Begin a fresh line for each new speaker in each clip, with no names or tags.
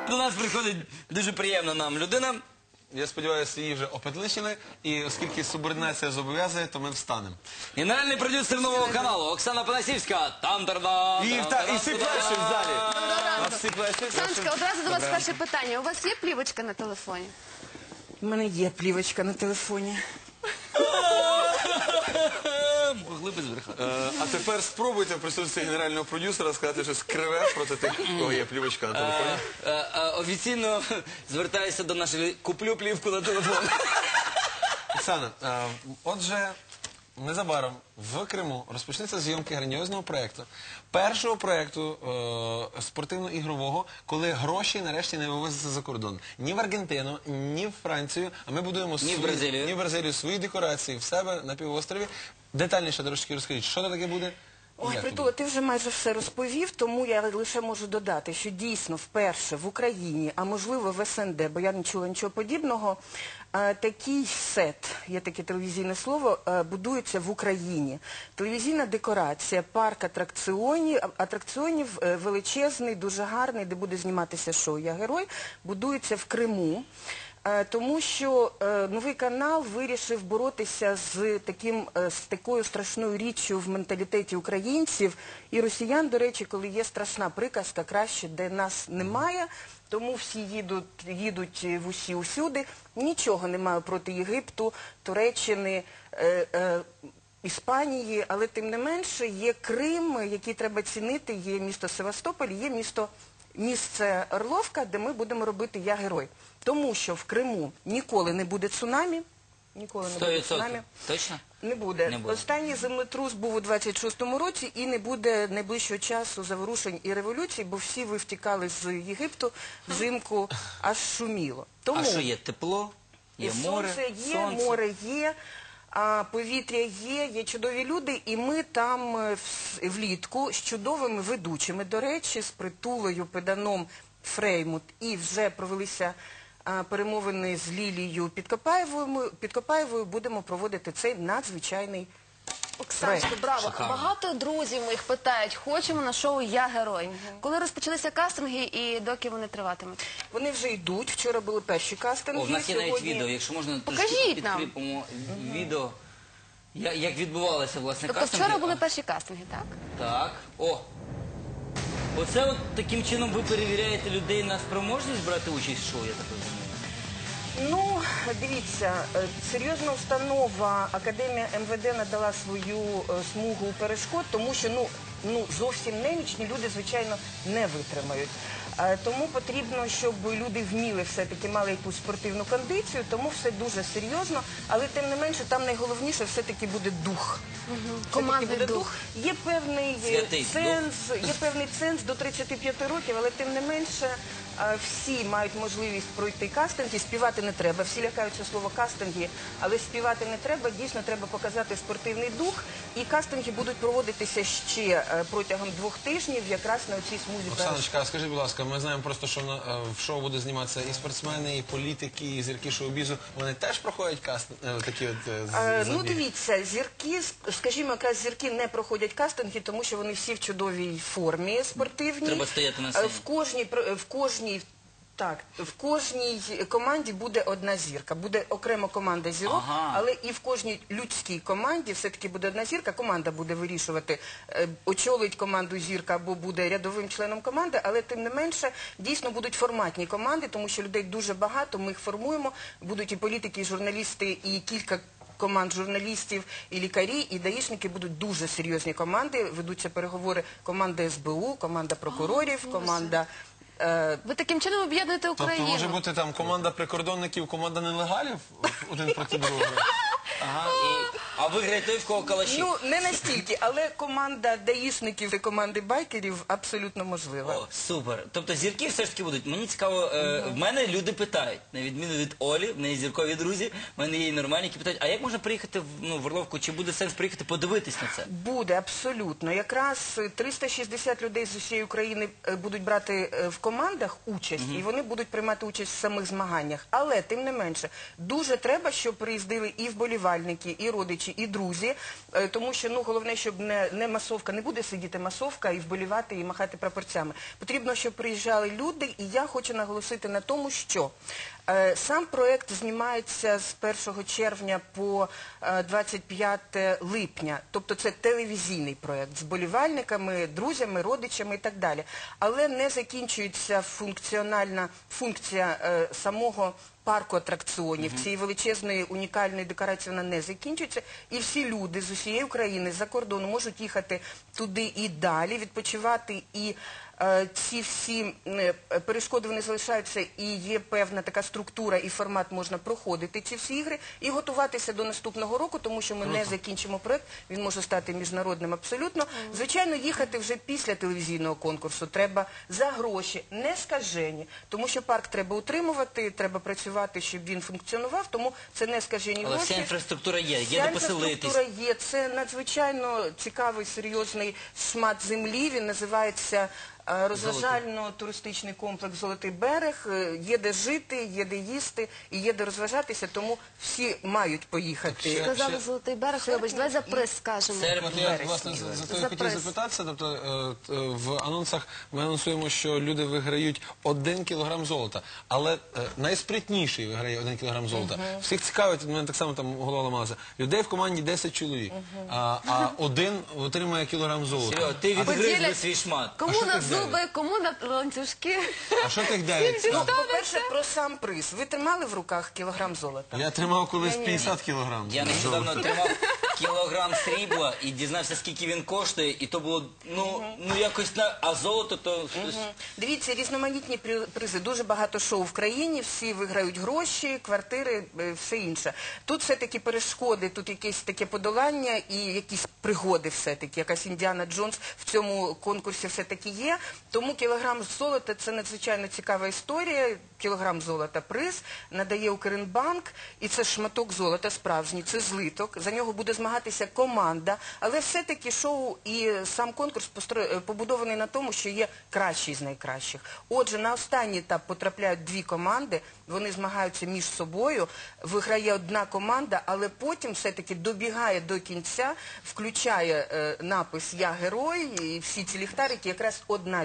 до нас приходить дуже приємна нам людина.
Я сподіваюся, її вже опетличили, і оскільки субординація зобов'язує, то ми встанемо.
Генеральний продюсер нового каналу Оксана Панасівська. Там-тарда.
І всі перші в залі. Всі перші.
Оксаночка, одразу до вас перше питання. У вас є плівочка на телефоні?
У мене є плівочка на телефоні.
Могли би збрехати.
А тепер спробуйте в присутстві генерального продюсера сказати щось криве проти тих, у кого є плівочка на телефоні.
Офіційно звертаюся до нашої куплю плівку на телефон.
Оксана, отже, незабаром в Криму розпочнеться зйомки грандіозного проєкту. Першого проєкту спортивно-ігрового, коли гроші нарешті не вивозяться за кордон. Ні в Аргентину, ні в Францію, а ми будуємо
Ні в Бразилію.
свої декорації в себе на півострові. Детальніше трошки розкажіть, що це таке буде?
Ой, Притула, ти вже майже все розповів, тому я лише можу додати, що дійсно вперше в Україні, а можливо в СНД, бо я не чула нічого подібного, такий сет, є таке телевізійне слово, будується в Україні. Телевізійна декорація, парк атракціонів величезний, дуже гарний, де буде зніматися шоу «Я герой», будується в Криму. Тому що новий канал вирішив боротися з такою страшною річчю в менталітеті українців і росіян, до речі, коли є страшна приказка «краще, де нас немає», тому всі їдуть в усі усюди. Нічого немає проти Єгипту, Туреччини, Іспанії, але тим не менше є Крим, який треба цінити, є місто Севастополь, є місце Орловка, де ми будемо робити «Я герой». Тому що в Криму ніколи не буде цунамі. Ніколи не буде цунамі.
Точно?
Не буде. Останній землетрус був у 26-му році і не буде найближчого часу заворушень і революцій, бо всі ви втікали з Єгипту, взимку аж шуміло.
А що є? Тепло? Є море?
Сонце є, море є. Повітря є чудові люди, і ми там влітку з чудовими ведучими, до речі, з Притулою, Педаном, Фреймут, і вже провелися перемовини з Лілією Підкопаєвою, будемо проводити цей надзвичайний
Оксаночка, браво.
Шикарно.
Багато друзів моїх питають, хочемо на шоу «Я герой». Коли розпочалися кастинги і доки вони триватимуть?
Вони вже йдуть, вчора були перші кастинги.
У нас є навіть відео, якщо можна трошки підкріпимо відео, як відбувалися, власне,
Тобто
кастинги.
вчора були перші кастинги, так?
Так, оце от таким чином ви перевіряєте людей на спроможність брати участь в шоу, я так розумію?
Ну, дивіться, серйозна установа, Академія МВД надала свою смугу перешкод, тому що зовсім немічні люди, звичайно, не витримають. Тому потрібно, щоб люди вміли все-таки, мали якусь спортивну кондицію, тому все дуже серйозно, але тим не менше там найголовніше все-таки буде дух.
Командний дух.
Є певний ценз до 35 років, але тим не менше всі мають можливість пройти кастинги, співати не треба. Всі лякаються слова кастинги, але співати не треба, дійсно треба показати спортивний дух. І кастинги будуть проводитися ще протягом 2 тижнів, якраз на цій смузі.
Оксаночка, скажіть, будь ласка, ми знаємо просто, що в шоу буде зніматися і спортсмени, і політики, і зірки шоу-бізу. Вони теж проходять такі от забіги?
Ну, дивіться, зірки, скажімо, якраз зірки не проходять кастинги, тому що вони всі в чудовій формі спортивній.
Треба стояти на сцені.
В кожній команді буде одна зірка. Буде окремо команда зірок, але і в кожній людській команді все-таки буде одна зірка. Команда буде вирішувати, очолить команду зірка або буде рядовим членом команди, але тим не менше дійсно будуть форматні команди, тому що людей дуже багато, ми їх формуємо. Будуть і політики, і журналісти, і кілька команд журналістів, і лікарі, і даїшники, будуть дуже серйозні команди. Ведуться переговори команда СБУ, команда прокурорів, команда...
Ви таким чином об'єднуєте Україну.
Тобто може бути там команда прикордонників, команда нелегалів один проти другого?
А виграє той, в кого калаші?
Ну, не настільки, але команда даїшників і команди байкерів абсолютно можлива.
О, супер. Тобто зірки все ж таки будуть. Мені цікаво, в мене люди питають, на відміну від Олі, в неї зіркові друзі, в мене є і нормальні, які питають, а як можна приїхати в Орловку, чи буде сенс приїхати подивитись на це?
Буде, абсолютно. Якраз 360 людей з усієї України будуть брати в командах участь, і вони будуть приймати участь в самих змаганнях. Але, тим не менше, дуже треба, щоб приїздили і вболівальники, і родичі, родичі і друзі, тому що головне, щоб не масовка, не буде сидіти масовка і вболівати, і махати прапорцями. Потрібно, щоб приїжджали люди, і я хочу наголосити на тому, що сам проєкт знімається з 1 червня по 25 липня. Тобто це телевізійний проєкт з болівальниками, друзями, родичами і так далі. Але не закінчується функціональна функція самого парку атракціонів, цієї величезної унікальної декорації вона не закінчується. І всі люди з усієї України, з-за кордону можуть їхати туди і далі, відпочивати, і ці всі перешкоди вони залишаються, і є певна така структура і формат, можна проходити ці всі ігри і готуватися до наступного року, тому що ми не закінчимо проєкт, він може стати міжнародним абсолютно. Звичайно, їхати вже після телевізійного конкурсу треба за гроші, не скажені, тому що парк треба утримувати, треба працювати, щоб він функціонував, тому це не скажені гроші.
Але вся інфраструктура є де поселитись.
Інфраструктура є, це надзвичайно цікавий, серйозний шмат землі, він називається розважально-туристичний комплекс «Золотий берег», є де жити, є де їсти і є де розважатися, тому всі мають поїхати.
Сказали «Золотий берег», вибач, давай за приз скажемо.
Я, власне, за то я хотів запитатися, тобто в анонсах ми анонсуємо, що люди виграють 1 кілограм золота, але найспритніший виграє 1 кілограм золота. Всіх цікавить, у мене так само там голова ламалася, людей в команді 10 чоловік, а один отримує кілограм золота.
Серйозно, ти відгриз свій шмат.
Кому на зуби, кому на ланцюжки.
А що тих 9?
По-перше, про сам приз. Ви тримали в руках кілограм золота?
Я тримав колись 50 кілограм.
Я нещодавно отримав кілограм срібла і дізнався, скільки він коштує, і то було, якось, а золото то...
Дивіться, різноманітні призи, дуже багато шоу в країні, всі виграють гроші, квартири, все інше. Тут все-таки перешкоди, тут якесь таке подолання і якісь пригоди все-таки, якась Індіана Джонс в цьому конкурсі все-таки є. Тому кілограм золота – це надзвичайно цікава історія. Кілограм золота приз надає Укрінбанк, і це шматок золота справжній, це злиток, за нього буде змагатися команда, але все-таки шоу і сам конкурс побудований на тому, що є кращий з найкращих. Отже, на останній етап потрапляють 2 команди, вони змагаються між собою, виграє одна команда, але потім все-таки добігає до кінця, включає напис «Я герой» і всі ці ліхтарики, якраз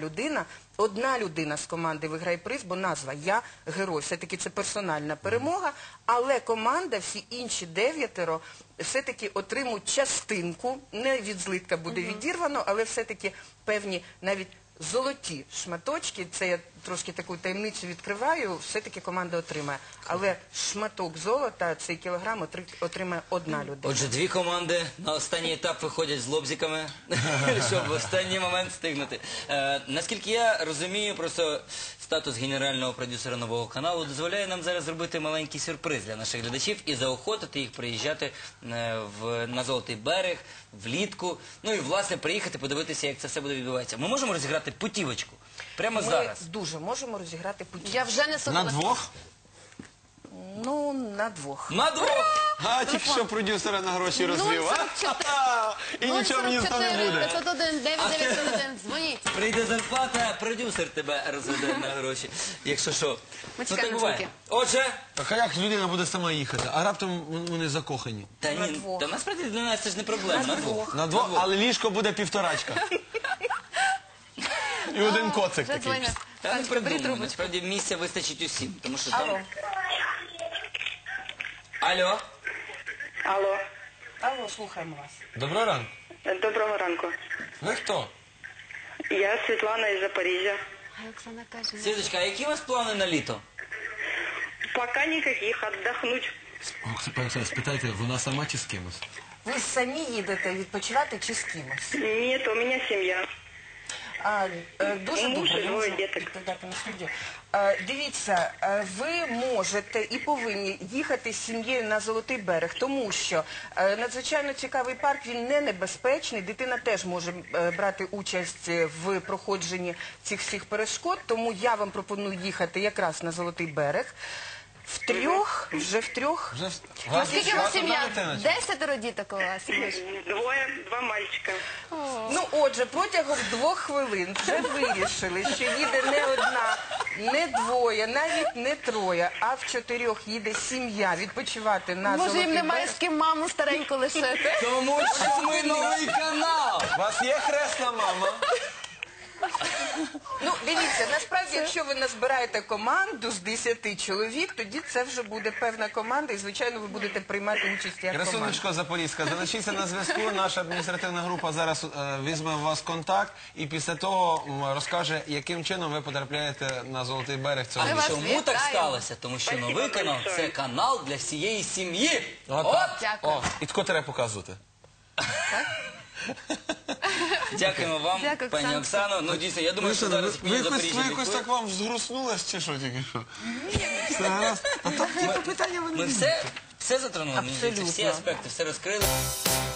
одна людина з команди виграє приз, бо назва «Я герой». Все-таки це персональна перемога, але команда, всі інші 9 все-таки отримують частинку, не від злитка буде відірвано, але все-таки певні навіть золоті шматочки, це я трошки таку таємницю відкриваю, все-таки команда отримає. Але шматок золота, цей кілограм отримає одна людина.
Отже, 2 команди на останній етап виходять з лобзиками, щоб в останній момент встигнути. Наскільки я розумію, просто статус генерального продюсера нового каналу дозволяє нам зараз зробити маленький сюрприз для наших глядачів і заохотити їх приїжджати на Золотий берег влітку, ну і, власне, приїхати, подивитися, як це все буде відбуватися. Ми можемо розіграти путівочку прямо зараз?
Ми дуже можемо розіграти путівку.
Я вже не
На
согласна.
2?
Ну, на 2.
На 2!
А, тільки що продюсера на гроші розвів, а? І нічого мені з того не буде.
501 9901, дзвоніть.
Прийде зарплата, продюсер тебе розведе на гроші. Якщо що.
Ми
так
чекаємо
буває.
дзвінки.
Отже,
Так а як людина буде сама їхати? А раптом вони закохані?
та
На
ні,
двох.
та насправді для нас це ж не проблема. На 2.
На 2, але ліжко буде 1,5. І один коцик
Вже
такий.
дзвонять.
Та не
Бери
придумай,
трубочку.
насправді місця вистачить усім. Тому що
Алло.
там... Алло.
Алло,
Алло, слухаємо вас.
Доброго ранку.
доброго ранку.
Ви хто?
Я Світлана із Запоріжжя.
А Оксана каже,
Світочка, а які у вас плани на літо?
Пока никаких, отдохнуть.
Оксана, спитайте, вона сама чи з кимось?
Ви самі їдете відпочивати чи з кимось?
Нет, у меня семья.
Дуже
Муж
добре,
і
я
двоє
можу
діток.
відповідати на студію. Дивіться, ви можете і повинні їхати з сім'єю на Золотий берег, тому що надзвичайно цікавий парк, він не небезпечний, дитина теж може брати участь в проходженні цих всіх перешкод, тому я вам пропоную їхати якраз на Золотий берег. Втрьох, вже втрьох.
Вже
Наскільки у вас
одна
сім'я?
дитина чи?
10 діток у вас?
Двое, два мальчика.
Ну, отже, протягом 2 хвилин вже вирішили, що їде не одна, не двоє, навіть не троє, а в 4 їде сім'я відпочивати на
Може, їм
Золотий
немає
берег.
з ким маму стареньку лишити?
Тому що ми новий канал!
У вас є хресна мама?
Ну, дивіться, насправді, якщо ви назбираєте команду з 10 чоловік, тоді це вже буде певна команда, і, звичайно, ви будете приймати участь як команда.
Красунечко Запорізька, залишіться на зв'язку. Наша адміністративна група зараз візьме у вас контакт і після того розкаже, яким чином ви потрапляєте на Золотий берег цього
Ми
А
вас
чому так
вітаємо.
сталося? Тому що
Спасибо
новий канал –
большое.
це канал для всієї сім'ї.
От так.
Дякую.
О, і тако треба показувати.
Дякуємо вам,
Дякую,
пані
Оксано.
Оксано. Ну, дійсно, я думаю, що зараз
ви
мені
якось,
Запоріжжя
ви якось
відповідь.
так вам згруснулось, чи що тільки що? Все гаразд? А там типу питання ви не
Ми все затронули, мені здається, всі
Абсолютно.
аспекти, все розкрили.